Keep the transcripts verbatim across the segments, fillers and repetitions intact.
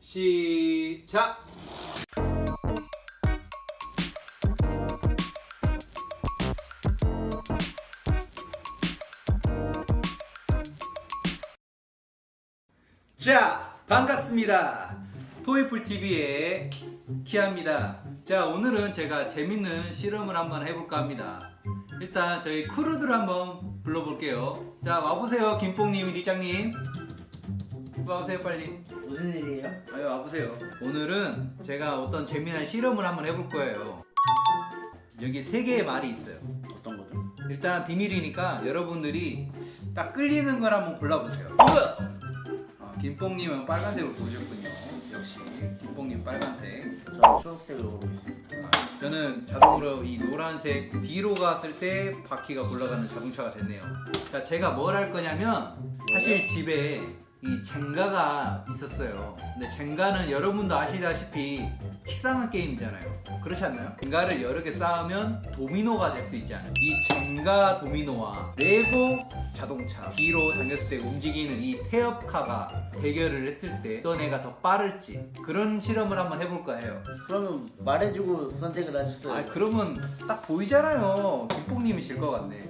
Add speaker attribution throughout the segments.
Speaker 1: 시작! 자, 반갑습니다. 토이풀티비의 키아입니다. 자, 오늘은 제가 재밌는 실험을 한번 해볼까 합니다. 일단 저희 크루들 한번 불러볼게요. 자, 와보세요. 김뽕님, 리장님. 와보세요, 빨리.
Speaker 2: 무슨 일이에요?
Speaker 1: 아유, 와보세요. 오늘은 제가 어떤 재미난 실험을 한번 해볼 거예요. 여기 세 개의 말이 있어요.
Speaker 2: 어떤 거죠?
Speaker 1: 일단 비밀이니까 여러분들이 딱 끌리는 걸 한번 골라보세요. 어, 김뽕님은 빨간색으로 보셨군요. 역시 김뽕님 빨간색.
Speaker 2: 저는 초록색으로 보고 있습니다.
Speaker 1: 아, 저는 자동으로 이 노란색 뒤로 갔을 때 바퀴가 굴러가는 자동차가 됐네요. 자, 제가 뭘 할 거냐면 사실 집에 이 젠가가 있었어요. 근데 젠가는 여러분도 아시다시피 식상한 게임이잖아요. 그렇지 않나요? 젠가를 여러 개 쌓으면 도미노가 될 수 있잖아요. 이 젠가 도미노와 레고 자동차 뒤로 당겼을 때 움직이는 이 태엽카가 대결을 했을 때 어떤 애가 더 빠를지 그런 실험을 한번 해볼까 해요.
Speaker 2: 그러면 말해주고 선택을 하셨어요.
Speaker 1: 아, 그러면 딱 보이잖아요. 김뽕님이 질 것 같네.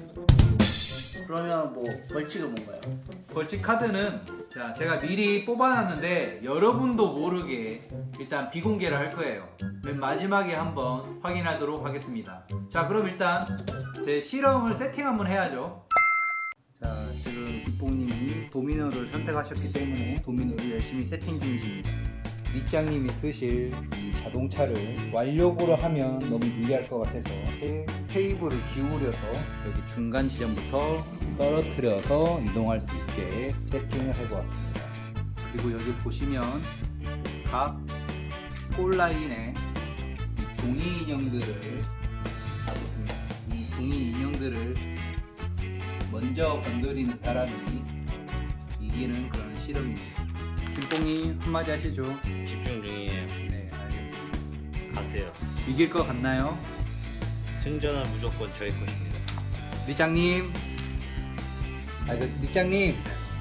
Speaker 2: 그러면 뭐 벌칙은 뭔가요?
Speaker 1: 벌칙 카드는 자, 제가 미리 뽑아놨는데 여러분도 모르게 일단 비공개를 할 거예요. 맨 마지막에 한번 확인하도록 하겠습니다. 자, 그럼 일단 제 실험을 세팅 한번 해야죠. 자, 지금 김뽕님이 도미노를 선택하셨기 때문에 도미노를 열심히 세팅 중이십니다. 밑장님이 쓰실 이 자동차를 완력으로 하면 너무 유리할 것 같아서 테, 테이블을 기울여서 여기 중간 지점부터 떨어뜨려서 이동할 수 있게 세팅을 해보았습니다. 그리고 여기 보시면 각 꼴라인에 이 종이 인형들을 놔뒀습니다. 이 종이 인형들을 먼저 건드리는 사람이 이기는 그런 실험입니다. 김뽕이 한마디 하시죠.
Speaker 3: 집중 중이에요.
Speaker 1: 네, 알겠습니다.
Speaker 3: 가세요.
Speaker 1: 이길 것 같나요?
Speaker 3: 승전은 무조건 저희 것입니다.
Speaker 1: 리장님, 아, 그 리장님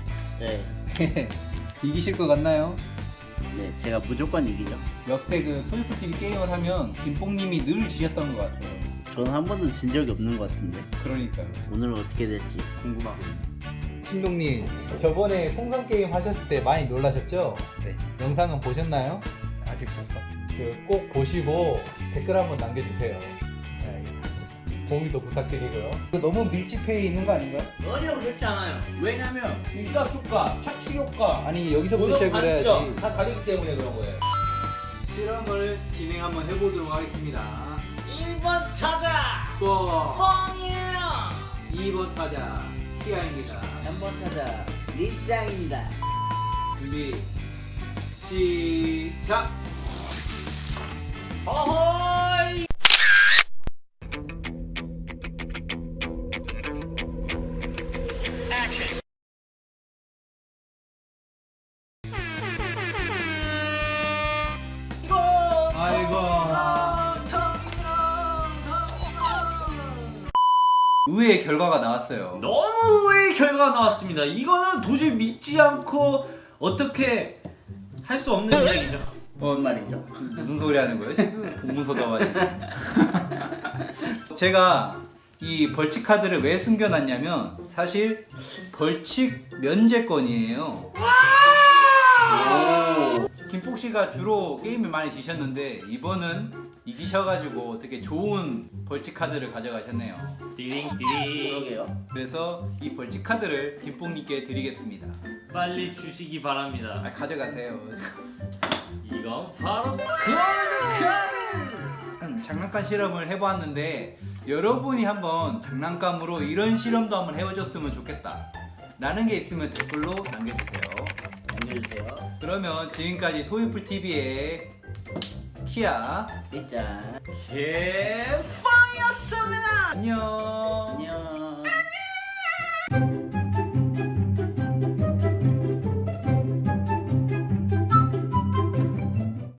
Speaker 2: 네.
Speaker 1: 이기실 것 같나요?
Speaker 2: 네, 제가 무조건 이기죠.
Speaker 1: 역대 그 토이풀티비 게임을 하면 김뽕님이 늘 지셨던 것 같아요.
Speaker 2: 저는 한 번도 진 적이 없는 것 같은데
Speaker 1: 그러니까요.
Speaker 2: 오늘은 어떻게 될지.
Speaker 1: 궁금하군요. 신동님, 저번에 풍선 게임 하셨을 때 많이 놀라셨죠?
Speaker 2: 네.
Speaker 1: 영상은 보셨나요? 아직 못 봤어요. 그 꼭 보시고 댓글 한번 남겨주세요. 네, 공유도 부탁드리고요. 너무 밀집해 있는 거 아닌가요?
Speaker 4: 전혀 그렇지 않아요. 왜냐면 일가 축가, 착취 효과,
Speaker 1: 아니, 여기서부터 시작을 해야지.
Speaker 4: 단점 다 다르기 때문에 그런 거예요.
Speaker 1: 실험을 진행 한번 해보도록 하겠습니다.
Speaker 4: 일 번 타자
Speaker 1: 또
Speaker 4: 펑이에요.
Speaker 1: 이 번 타자 키아입니다.
Speaker 2: 삼 번 타자 리짱입니다.
Speaker 1: 준비 시작.
Speaker 4: 어허이.
Speaker 1: 아이고. 의외의 결과가 나왔어요.
Speaker 4: 너무 의외의 결과가 나왔습니다. 이거는 도저히 믿지 않고 어떻게 할 수 없는 이야기죠.
Speaker 2: 무슨 말이죠?
Speaker 1: 무슨 소리 하는 거예요? 지금 동문서다 가지고. 제가 이 벌칙 카드를 왜 숨겨놨냐면 사실 벌칙 면제권이에요. 김폭 씨가 주로 게임을 많이 지셨는데 이번은 이기셔가지고 되게 좋은 벌칙 카드를 가져가셨네요.
Speaker 4: 띠링띠링.
Speaker 2: 그러게요.
Speaker 1: 그래서 이 벌칙 카드를 김폭님께 드리겠습니다.
Speaker 4: 빨리 주시기 바랍니다.
Speaker 1: 아, 가져가세요.
Speaker 4: 이건 바로
Speaker 1: 음, 장난감 실험을 해보았는데 여러분이 한번 장난감으로 이런 실험도 한번 해보셨으면 좋겠다 라는 게 있으면 댓글로 남겨주세요.
Speaker 2: 남겨주세요.
Speaker 1: 그러면 지금까지 토이풀티비의 키아
Speaker 2: 리짱.
Speaker 4: 개팡이었습니다.
Speaker 1: 안녕.